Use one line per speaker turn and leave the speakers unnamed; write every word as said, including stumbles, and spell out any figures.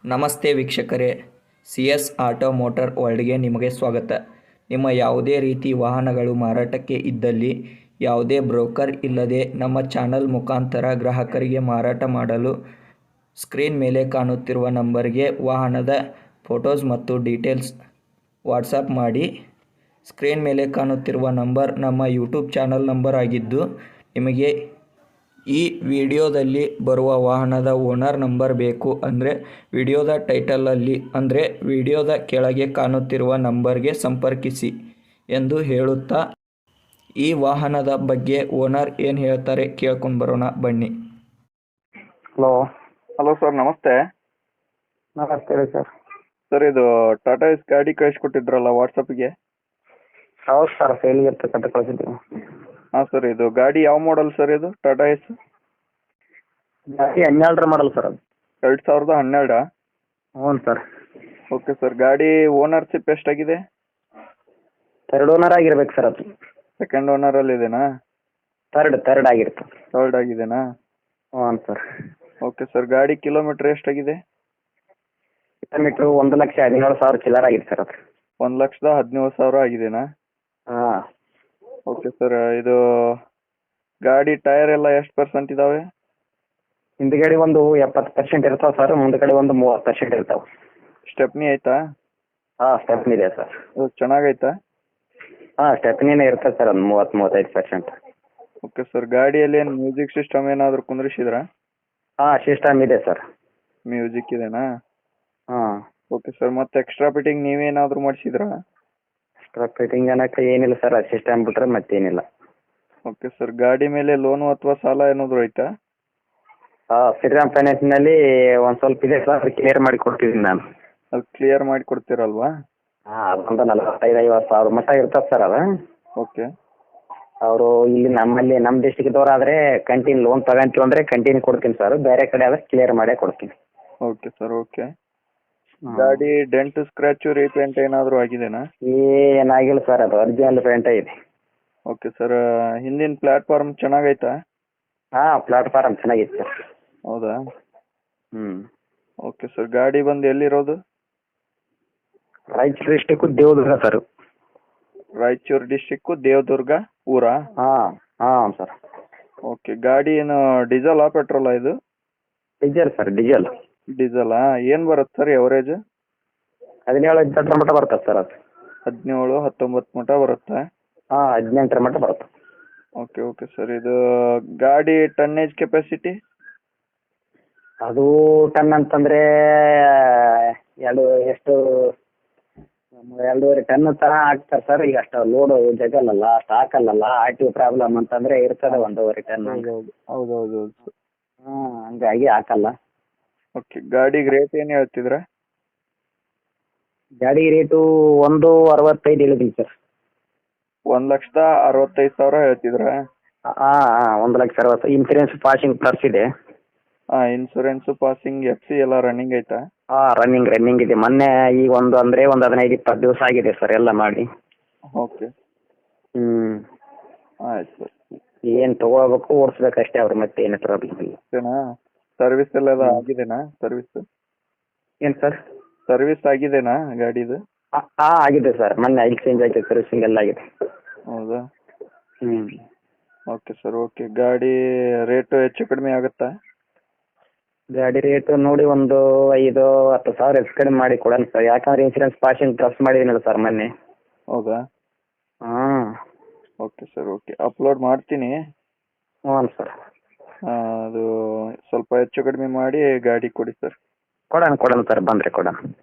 ನಮಸ್ತೆ ವೀಕ್ಷಕರೇ, C S auto motor ವರ್ಲ್ಡ್ಗೆ ನಿಮಗೆ ಸ್ವಾಗತ. ನಿಮ್ಮ ಯಾವುದೇ ರೀತಿ ವಾಹನಗಳು ಮಾರಾಟಕ್ಕೆ ಇದ್ದಲ್ಲಿ ಯಾವುದೇ ಬ್ರೋಕರ್ ಇಲ್ಲದೆ ನಮ್ಮ ಚಾನಲ್ ಮುಖಾಂತರ ಗ್ರಾಹಕರಿಗೆ ಮಾರಾಟ ಮಾಡಲು ಸ್ಕ್ರೀನ್ ಮೇಲೆ ಕಾಣುತ್ತಿರುವ ನಂಬರ್ಗೆ ವಾಹನದ ಫೋಟೋಸ್ ಮತ್ತು ಡೀಟೇಲ್ಸ್ ವಾಟ್ಸಪ್ ಮಾಡಿ. ಸ್ಕ್ರೀನ್ ಮೇಲೆ ಕಾಣುತ್ತಿರುವ ನಂಬರ್ ನಮ್ಮ ಯೂಟ್ಯೂಬ್ ಚಾನಲ್ ನಂಬರ್ ಆಗಿದ್ದು, ನಿಮಗೆ ಈ ವಿಡಿಯೋದಲ್ಲಿ ಬರುವ ವಾಹನದ ಓನರ್ ನಂಬರ್ ಬೇಕು ಅಂದರೆ ವಿಡಿಯೋದ ಟೈಟಲಲ್ಲಿ ಅಂದರೆ ವಿಡಿಯೋದ ಕೆಳಗೆ ಕಾಣುತ್ತಿರುವ ನಂಬರ್ಗೆ ಸಂಪರ್ಕಿಸಿ ಎಂದು ಹೇಳುತ್ತಾ, ಈ ವಾಹನದ ಬಗ್ಗೆ ಓನರ್ ಏನು ಹೇಳ್ತಾರೆ ಕೇಳ್ಕೊಂಡು ಬರೋಣ ಬನ್ನಿ.
ಹಲೋ
ಹಲೋ ಸರ್, ನಮಸ್ತೆ.
ನಮಸ್ತೆ ರೀ ಸರ್.
ಸರ್, ಇದು ಟಾಟಾ ಎಸ್ ಗಾಡಿ ಕಳಿಸ್ಕೊಟ್ಟಿದ್ರಲ್ಲ ವಾಟ್ಸಪ್ಗೆ?
ಹೌದು ಸರ್, ಸೇಲಿಗೆ ಇರ್ತಕ್ಕಂಥ ಕಳಿಸಿದ್ದೀವಿ.
ಹಾಂ ಸರ್, ಇದು ಗಾಡಿ ಯಾವ ಮಾಡಲ್ ಸರ್? ಇದು ಟಾಟಾ ಎಸ್
ಗಾಡಿ ಹನ್ನೆರಡರ ಮಾಡಲ್ ಸರ್ ಅದು.
ಎರಡು ಸಾವಿರದ ಹನ್ನೆರಡಾ?
ಹ್ಞೂ ಸರ್.
ಓಕೆ ಸರ್, ಗಾಡಿ ಓನರ್ಶಿಪ್ ಎಷ್ಟಾಗಿದೆ?
ಥರ್ಡ್ ಓನರ್ ಆಗಿರ್ಬೇಕು ಸರ್ ಅದು.
ಸೆಕೆಂಡ್ ಓನರಲ್ಲಿ ಇದೆನಾ?
ಥರ್ಡ್ ಥರ್ಡ್ ಆಗಿರುತ್ತೆ.
ಥರ್ಡ್ ಆಗಿದೆನಾ?
ಹ್ಞೂ ಸರ್.
ಓಕೆ ಸರ್, ಗಾಡಿ ಕಿಲೋಮೀಟ್ರ್ ಎಷ್ಟಾಗಿದೆ?
ಕಿಲೋಮೀಟ್ರು ಒಂದು ಲಕ್ಷ ಹದಿನೇಳು ಸಾವಿರ ಚಿಲ್ಲರ್ ಆಗಿದೆ ಸರ್ ಅದು.
ಒಂದು ಲಕ್ಷದ ಹದಿನೇಳು ಸಾವಿರ ಆಗಿದೆನಾ?
ಹಾಂ.
ಓಕೆ ಸರ್, ಇದು ಗಾಡಿ ಟೈರ್ ಎಲ್ಲ ಎಷ್ಟು ಪರ್ಸೆಂಟ್ ಇದ್ದಾವೆ?
ಹಿಂದ್ಗಡೆ ಒಂದು ಎಪ್ಪತ್ತು ಪರ್ಸೆಂಟ್ ಇರ್ತಾವೆ ಸರ್, ಮುಂದ್ಗಡೆ ಒಂದು ಮೂವತ್ತು ಪರ್ಸೆಂಟ್ ಇರ್ತಾವೆ.
ಸ್ಟೆಪ್ನಿ ಐತಾ?
ಹಾಂ, ಸ್ಟೆಪ್ನಿ ಇದೆ ಸರ್.
ಅದು ಚೆನ್ನಾಗೈತಾ?
ಹಾಂ, ಸ್ಟೆಪ್ನಿನೇ ಇರ್ತದೆ ಸರ್, ಒಂದು ಮೂವತ್ತು ಮೂವತ್ತೈದು ಪರ್ಸೆಂಟ್.
ಓಕೆ ಸರ್, ಗಾಡಿಯಲ್ಲಿ ಏನು ಮ್ಯೂಸಿಕ್ ಸಿಸ್ಟಮ್ ಏನಾದರೂ ಕುಂದ್ರಿಸಿದ್ರಾ?
ಹಾಂ, ಸಿಸ್ಟಮ್ ಇದೆ ಸರ್.
ಮ್ಯೂಸಿಕ್ ಇದೆನಾ?
ಹಾಂ.
ಓಕೆ ಸರ್, ಮತ್ತೆ ಎಕ್ಸ್ಟ್ರಾ ಫಿಟ್ಟಿಂಗ್ ನೀವೇನಾದರೂ ಮಾಡಿಸಿದ್ರಾ?
ಎಕ್ಸ್ಟ್ರಾ ಫಿಟ್ಟಿಂಗ್ ಅನ್ನೋಕ್ಕೆ ಏನಿಲ್ಲ ಸರ್, ಅದು ಸಿಸ್ಟಮ್ ಬಿಟ್ರೆ ಮತ್ತೇನಿಲ್ಲ.
ಓಕೆ ಸರ್, ಗಾಡಿ ಮೇಲೆ ಲೋನು ಅಥವಾ ಸಾಲ ಏನಾದರೂ ಐತಾ?
ಹಾಂ, ಶ್ರೀರಾಮ್ ಫೈನಾನ್ಸ್ನಲ್ಲಿ ಒಂದು ಸ್ವಲ್ಪ ಇದೆ ಸರ್, ಕ್ಲಿಯರ್ ಮಾಡಿ ಕೊಡ್ತಿದ್ದೀನಿ ನಾನು.
ಅದು ಕ್ಲಿಯರ್ ಮಾಡಿ ಕೊಡ್ತೀರಲ್ವಾ?
ಹಾಂ, ಅದೊಂದು ನಲವತ್ತೈದು ಐವತ್ತು ಸಾವಿರ ಮಟ್ಟ ಇರ್ತದೆ ಸರ್ ಅದು.
ಓಕೆ.
ಅವರು ಇಲ್ಲಿ ನಮ್ಮಲ್ಲಿ ನಮ್ಮ ಡಿಸ್ಟಿಕ್ದವ್ರು ಆದರೆ ಕಂಟಿನ್ಯೂ ಲೋನ್ ತಗೊಂತೀವಿ ಅಂದರೆ ಕಂಟಿನ್ಯೂ ಕೊಡ್ತೀನಿ ಸರ್, ಬೇರೆ ಕಡೆ ಆದರೆ ಕ್ಲಿಯರ್ ಮಾಡೇ ಕೊಡ್ತೀನಿ.
Okay sir, okay. ಗಾಡಿ ಡೆಂಟ್ ಸ್ಕ್ರ್ಯಾಚು ರೀಪೇಂಟ್ ಏನಾದರೂ ಆಗಿದೆನಾ?
ಏನಾಗಿಲ್ಲ ಸರ್, ಅದು ಒರಿಜಿನಲ್ ಪೇಂಟೇ ಇದೆ.
ಓಕೆ ಸರ್, ಹಿಂದಿನ ಪ್ಲಾಟ್ಫಾರ್ಮ್ ಚೆನ್ನಾಗೈತಾ?
ಹಾಂ, ಪ್ಲಾಟ್ಫಾರಮ್ ಚೆನ್ನಾಗಿತ್ತು ಸರ್.
ಹೌದಾ?
ಹ್ಞೂ.
ಓಕೆ ಸರ್, ಗಾಡಿ ಬಂದು ಎಲ್ಲಿರೋದು?
Raichur district Devadurga sir.
Raichur district Devadurga ಊರಾ?
ಹಾಂ ಹಾಂ ಸರ್.
ಓಕೆ, ಗಾಡಿ ಏನು ಡೀಸೆಲಾ ಪೆಟ್ರೋಲಾ ಇದು?
Diesel sir, diesel.
ಡೀಸೆಲಾ? ಏನು ಬರುತ್ತೆ ಸರ್ ಎವರೇಜ್?
ಹದಿನೇಳು ಹದಿನೆಂಟರ ಮಟ್ಟ ಬರ್ತದೆ ಸರ್ ಅದು.
ಹದಿನೇಳು ಹತ್ತೊಂಬತ್ತು ಮಟ್ಟ ಬರುತ್ತಾ?
ಹಾಂ, ಹದಿನೆಂಟರ ಮಟ್ಟ ಬರುತ್ತೆ.
ಓಕೆ ಓಕೆ ಸರ್, ಇದು ಗಾಡಿ ಟನ್ನೇಜ್ ಕೆಪಾಸಿಟಿ?
ಅದು ಟನ್ ಅಂತಂದರೆ ಎರಡು ಎಷ್ಟು ಎರಡೂವರೆ ಟನ್ ತನಕ ಹಾಕ್ತಾರೆ ಸರ್. ಈಗ ಅಷ್ಟು ಲೋಡು ಜಗಲ್ಲಲ್ಲ, ಅಷ್ಟು ಹಾಕಲ್ಲಲ್ಲ. ಆರ್ ಟಿ ಪ್ರಾಬ್ಲಮ್ ಅಂತಂದರೆ ಇರ್ತದೆ ಒಂದೂವರೆ ಟನ್.
ಹೌದು ಹೌದು ಹೌದು ಹೌದು.
ಹ್ಞೂ, ಹಂಗಾಗಿ ಹಾಕಲ್ಲ.
ಓಕೆ, ಗಾಡಿಗೆ ರೇಟ್ ಏನು ಹೇಳ್ತಿದ್ರ?
ಗಾಡಿ ರೇಟು ಒಂದು ಅರವತ್ತೈದು ಹೇಳಿದ್ದೀನಿ ಸರ್.
ಒಂದು ಲಕ್ಷದ ಅರವತ್ತೈದು ಸಾವಿರ ಹೇಳ್ತಿದ್ರ?
ಹಾಂ ಹಾಂ, ಒಂದು ಲಕ್ಷ ಅರವತ್ತು. ಇನ್ಸೂರೆನ್ಸ್ ಪಾಸಿಂಗ್ ಪ್ಲಸ್ ಇದೆ.
ಹಾಂ, ಇನ್ಸೂರೆನ್ಸು ಪಾಸಿಂಗ್ ಎಫ್ ಸಿ ಎಲ್ಲ ರನ್ನಿಂಗ್ ಐತಾ?
ಹಾಂ, ರನ್ನಿಂಗ್ ರನ್ನಿಂಗ್ ಇದೆ. ಮೊನ್ನೆ ಈಗ ಒಂದು ಅಂದರೆ ಒಂದು ಹದಿನೈದು ಇಪ್ಪತ್ತು ದಿವಸ ಆಗಿದೆ ಸರ್ ಎಲ್ಲ ಮಾಡಿ.
ಓಕೆ.
ಹ್ಞೂ.
ಆಯ್ತು ಸರ್.
ಏನು ತೊಗೋಬೇಕು, ಓಡಿಸ್ಬೇಕಷ್ಟೇ ಅವ್ರು, ಮತ್ತೆ ಏನು ಪ್ರಾಬ್ಲಮ್ ಇಲ್ಲ.
ಅಷ್ಟೇನಾ? ಸರ್ವಿಸ್ ಎಲ್ಲ ಆಗಿದೆನಾ? ಸರ್ವಿಸ್
ಏನು ಸರ್?
ಸರ್ವಿಸ್ ಆಗಿದೆನಾ ಗಾಡಿದು?
ಹಾಂ ಹಾಂ, ಆಗಿದೆ ಸರ್. ಮೊನ್ನೆ ಆಯಿಲ್ ಚೇಂಜ್ ಆಗಿದೆ, ಸರ್ವಿಸಿಂಗ್ ಎಲ್ಲ ಆಗಿದೆ.
ಹೌದಾ?
ಹ್ಞೂ.
Okay sir, okay. ಗಾಡಿ ರೇಟು ಹೆಚ್ಚು ಕಡಿಮೆ ಆಗುತ್ತಾ?
ಗಾಡಿ ರೇಟು ನೋಡಿ ಒಂದು ಐದು ಹತ್ತು ಸಾವಿರ ಹೆಚ್ಚು ಕಡಿಮೆ ಮಾಡಿ ಕೊಡೋಣ ಸರ್, ಯಾಕಂದ್ರೆ ಇನ್ಸೂರೆನ್ಸ್ ಪಾಸಿಂಗ್ ಪ್ಲಸ್ ಮಾಡಿದ್ದೀನಲ್ಲ ಸರ್ ಮೊನ್ನೆ.
ಹೌದಾ?
ಹಾಂ.
Okay sir, okay. ಅಪ್ಲೋಡ್ ಮಾಡ್ತೀನಿ.
ಹ್ಞೂ ಸರ್.
ಅದು ಸ್ವಲ್ಪ ಹೆಚ್ಚು ಕಡಿಮೆ ಮಾಡಿ ಗಾಡಿ ಕೊಡಿ ಸರ್.
ಕೊಡೋಣ ಕೊಡೋಣ ಸರ್, ಬಂದರೆ ಕೊಡೋಣ.